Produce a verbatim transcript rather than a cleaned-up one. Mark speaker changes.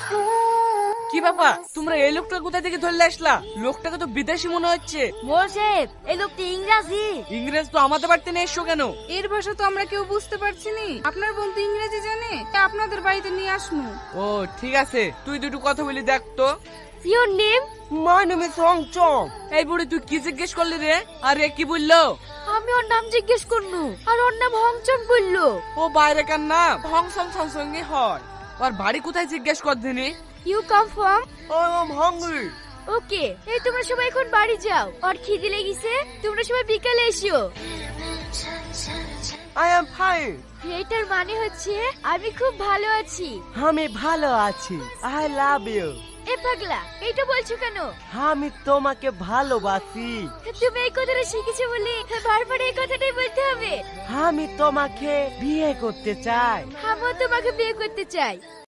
Speaker 1: কি বাবা, তোমরা এই লোকটা কোথা থেকে ধরলে আসলা? লোকটাকে তো বিদেশি মনে হচ্ছে।
Speaker 2: মোশেফ, এই লোকটি ইংরাজি।
Speaker 1: ইংরেজ তো আমাদের বাড়িতে নিয়ে এসছো কেন?
Speaker 3: এর ভাষা তো আমরা কেউ বুঝতে পারছি নি। আপনার বন্ধু ইংরেজি জানে, তা আপনাদের বাড়িতে নিয়ে আসমু।
Speaker 1: ও ঠিক আছে, তুই দুটো কথা বলি দেখ তো।
Speaker 2: Your name?
Speaker 1: My name is রং চং। এই বুড়ি তুই কি জিজ্ঞেস করলি রে? আরে কি বললো?
Speaker 2: আমি ওর নাম জিজ্ঞেস করনু, আর ওর নাম হংচং বললো।
Speaker 1: ও বাইরে কার নাম হং সং সং সঙ্গে হয়। আর বাড়ি কোথায় জিজ্ঞেস কর দিনি?
Speaker 2: You come from?
Speaker 1: I am hungry.
Speaker 2: Okay, এই তোমরা সবাই এখন বাড়ি যাও। আর খিদে লেগেছে, তোমরা সবাই বিকালে এসো।
Speaker 1: I am fine.
Speaker 2: এটার মানে হচ্ছে আমি খুব ভালো আছি।
Speaker 4: আমি ভালো আছি। I love you.
Speaker 2: এ পাগলা, এইটা বলছো কেন?
Speaker 4: আমি তোমাকে ভালোবাসি।
Speaker 2: তুমি এই কথাটা শিখেছো বলে বারবার এই কথাটাই বলতে হবে?
Speaker 4: আমি তোমাকে বিয়ে করতে চাই।
Speaker 2: আমিও তোমাকে বিয়ে করতে চাই।